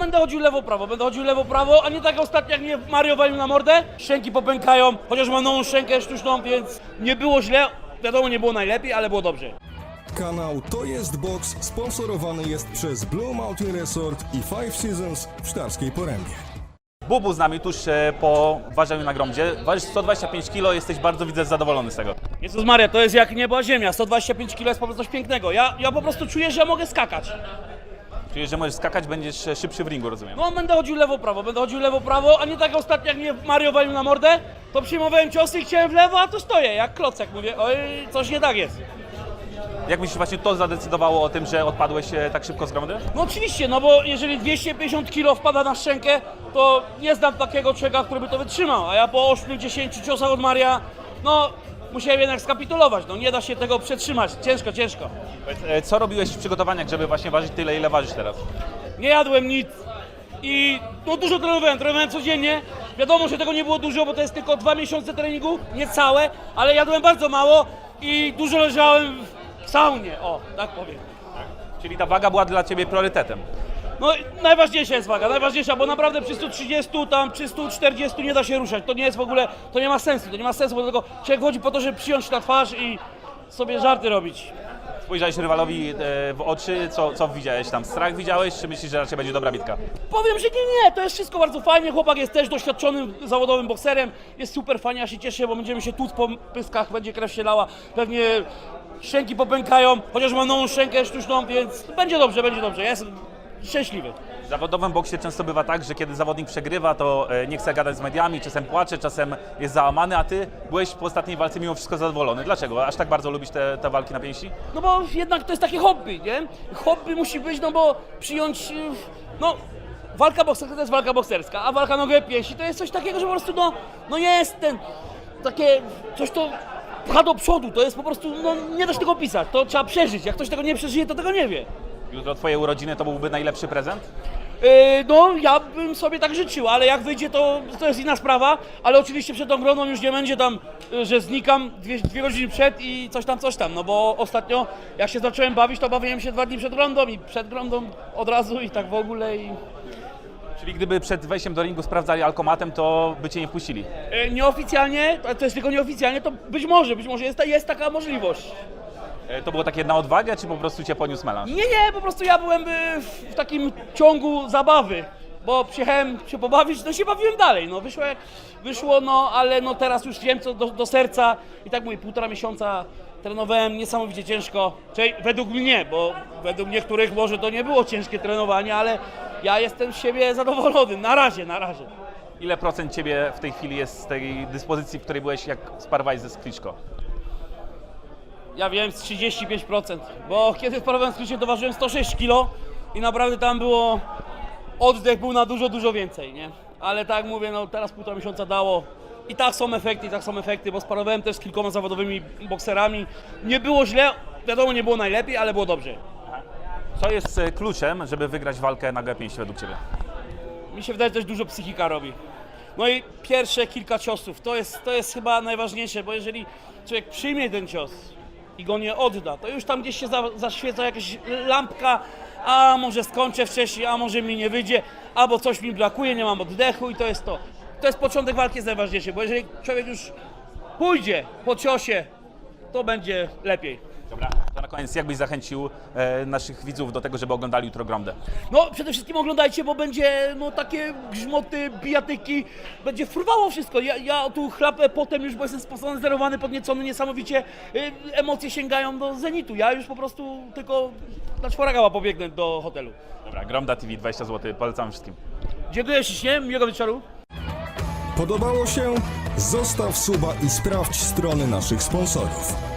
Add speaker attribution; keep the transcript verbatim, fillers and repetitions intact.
Speaker 1: będę chodził lewo-prawo, będę chodził lewo-prawo, a nie tak ostatnio jak mnie Mario walił na mordę. Szczęki popękają, chociaż mam nową szczękę sztuczną, więc nie było źle. Wiadomo, nie było najlepiej, ale było dobrze.
Speaker 2: Kanał To Jest Box sponsorowany jest przez Blue Mountain Resort i Five Seasons w Sztarskiej Porębie.
Speaker 3: Bubu z nami tuż e, po ważeniu na Gromdzie. Ważysz sto dwadzieścia pięć kilo, jesteś bardzo, widzę, zadowolony z tego.
Speaker 1: Jezus Maria, to jest jak niebo a ziemia, sto dwadzieścia pięć kilo jest po prostu coś pięknego. Ja, ja po prostu czuję, że ja mogę skakać.
Speaker 3: Czyli, że możesz skakać, będziesz e, szybszy w ringu, rozumiem.
Speaker 1: No będę chodził lewo-prawo, będę chodził lewo-prawo, a nie tak ostatnio jak mnie Mario walił na mordę, to przyjmowałem ciosy i chciałem w lewo, a tu stoję jak klocek, mówię, oj, coś nie tak jest.
Speaker 3: Jak myślisz, właśnie to zadecydowało o tym, że odpadłeś e, tak szybko z Gromdy?
Speaker 1: No oczywiście, no bo jeżeli dwieście pięćdziesiąt kilo wpada na szczękę, to nie znam takiego człowieka, który by to wytrzymał, a ja po ośmiu dziesięciu ciosach od Maria, no musiałem jednak skapitulować, no nie da się tego przetrzymać, ciężko, ciężko.
Speaker 3: E, Co robiłeś w przygotowaniach, żeby właśnie ważyć tyle, ile ważysz teraz?
Speaker 1: Nie jadłem nic i no dużo trenowałem, trenowałem codziennie. Wiadomo, że tego nie było dużo, bo to jest tylko dwa miesiące treningu, nie całe, ale jadłem bardzo mało i dużo leżałem w saunie, o, tak powiem.
Speaker 3: Czyli ta waga była dla Ciebie priorytetem.
Speaker 1: No najważniejsza jest waga, najważniejsza, bo naprawdę przy stu trzydziestu, tam przy stu czterdziestu nie da się ruszać. To nie jest w ogóle, to nie ma sensu, to nie ma sensu, bo tylko człowiek chodzi po to, żeby przyjąć na twarz i sobie żarty robić.
Speaker 3: Spojrzałeś rywalowi e, w oczy, co, co widziałeś tam? Strach widziałeś, czy myślisz, że raczej będzie dobra bitka?
Speaker 1: Powiem, że nie, nie, to jest wszystko bardzo fajnie, chłopak jest też doświadczonym zawodowym bokserem, jest super fajnie, ja się cieszę, bo będziemy się tłuc po pyskach, będzie krew się lała, pewnie szczęki popękają, chociaż mam nową szczękę sztuczną, więc będzie dobrze, będzie dobrze, ja jestem szczęśliwy.
Speaker 3: W zawodowym boksie często bywa tak, że kiedy zawodnik przegrywa, to e, nie chce gadać z mediami, czasem płacze, czasem jest załamany, a Ty byłeś po ostatniej walce mimo wszystko zadowolony. Dlaczego? Aż tak bardzo lubisz te, te walki na pięści?
Speaker 1: No bo jednak to jest takie hobby, nie? Hobby musi być, no bo przyjąć, yy, no walka bokserska to jest walka bokserska, a walka nogę pięści to jest coś takiego, że po prostu no, no jest ten, takie coś to pcha do przodu, to jest po prostu, no nie da się tego opisać, to trzeba przeżyć, jak ktoś tego nie przeżyje, to tego nie wie.
Speaker 3: Jutro Twoje urodziny to byłby najlepszy prezent?
Speaker 1: Yy, no ja bym sobie tak życzył, ale jak wyjdzie to, to jest inna sprawa, ale oczywiście przed tą groną już nie będzie tam, yy, że znikam dwie, dwie godziny przed i coś tam, coś tam, no bo ostatnio jak się zacząłem bawić, to bawiłem się dwa dni przed grądą i przed grądą od razu i tak w ogóle i...
Speaker 3: Czyli gdyby przed wejściem do ringu sprawdzali alkomatem, to by Cię nie wpuścili?
Speaker 1: Yy, nieoficjalnie, to, to jest tylko nieoficjalnie, to być może, być może jest, jest taka możliwość.
Speaker 3: E, To było takie na odwagę, czy po prostu Cię poniósł melanż?
Speaker 1: Nie, nie, po prostu ja byłem y, w, w takim ciągu zabawy, bo przyjechałem się pobawić, no się bawiłem dalej, no wyszło jak wyszło, no ale no teraz już wiem co do, do serca i tak mówię, półtora miesiąca trenowałem niesamowicie ciężko, czyli według mnie, bo według niektórych może to nie było ciężkie trenowanie, ale ja jestem z siebie zadowolony, na razie, na razie.
Speaker 3: Ile procent Ciebie w tej chwili jest z tej dyspozycji, w której byłeś, jak sparowałeś ze Skliczko?
Speaker 1: Ja wiem, z trzydzieści pięć procent, bo kiedy sparowałem z Krzyszem, to ważyłem sto sześć kilo i naprawdę tam było, oddech był na dużo, dużo więcej, nie? Ale tak jak mówię, no teraz półtora miesiąca dało i tak są efekty, i tak są efekty, bo sparowałem też z kilkoma zawodowymi bokserami. Nie było źle, wiadomo, nie było najlepiej, ale było dobrze.
Speaker 3: Co jest e, kluczem, żeby wygrać walkę na G pięć według Ciebie?
Speaker 1: Mi się wydaje, że też dużo psychika robi. No i pierwsze kilka ciosów, to jest, to jest chyba najważniejsze, bo jeżeli człowiek przyjmie ten cios i go nie odda, to już tam gdzieś się za, zaświeca jakaś lampka, a może skończę wcześniej, a może mi nie wyjdzie, albo coś mi brakuje, nie mam oddechu i to jest to. To jest początek walki, jest najważniejszy, bo jeżeli człowiek już pójdzie po ciosie, to będzie lepiej.
Speaker 3: Dobra, to na koniec jak byś zachęcił e, naszych widzów do tego, żeby oglądali jutro Gromdę?
Speaker 1: No przede wszystkim oglądajcie, bo będzie no takie grzmoty, bijatyki, będzie furwało wszystko. Ja, ja tu chlapę potem już, bo jestem sponsorowany, podniecony niesamowicie, y, emocje sięgają do zenitu. Ja już po prostu tylko na czworagała pobiegnę do hotelu.
Speaker 3: Dobra, Gromda T V, dwadzieścia złotych, polecam wszystkim.
Speaker 1: Dziękuję ślicznie, miłego wieczoru.
Speaker 2: Podobało się? Zostaw suba i sprawdź strony naszych sponsorów.